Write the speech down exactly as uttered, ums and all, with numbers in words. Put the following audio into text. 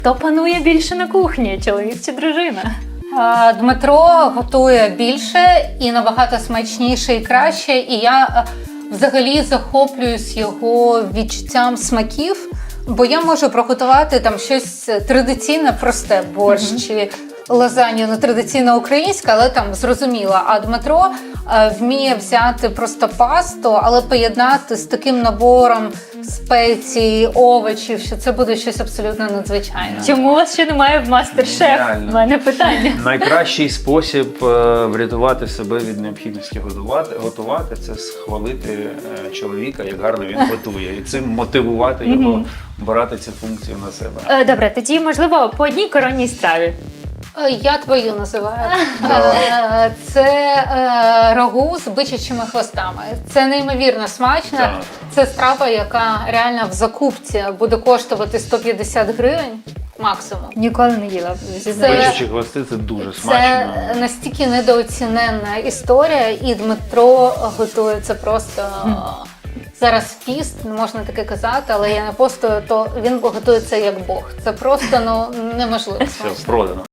Хто панує більше на кухні, чоловік чи дружина? А, Дмитро готує більше і набагато смачніше і краще. І я а, взагалі захоплююсь його відчуттям смаків, бо я можу приготувати там щось традиційне, просте, борщ mm-hmm. чи лазанью, не традиційно українська, але там зрозуміла. А Дмитро а, вміє взяти просто пасту, але поєднати з таким набором спецій, овочів, що це буде щось абсолютно надзвичайне. Чому у вас ще немає в мастер-шеф? У мене питання. Найкращий спосіб е, врятувати себе від необхідності готувати, готувати це схвалити е, чоловіка, як гарно він готує, і цим мотивувати його брати цю функцію на себе. Е, Добре, тоді, можливо, по одній коронній страві. Я твою називаю. Це е, рагу з бичачими хвостами. Це неймовірно смачно. Так. Це страва, яка реально в закупці буде коштувати сто п'ятдесят гривень максимум. Ніколи не їла. Бичачі хвости – це дуже смачно. Це настільки недооціненна історія, і Дмитро готує це просто... Зараз піст, не можна таке казати, але я не постою, то він готує це як Бог. Це просто ну, неможливо. Все, продано.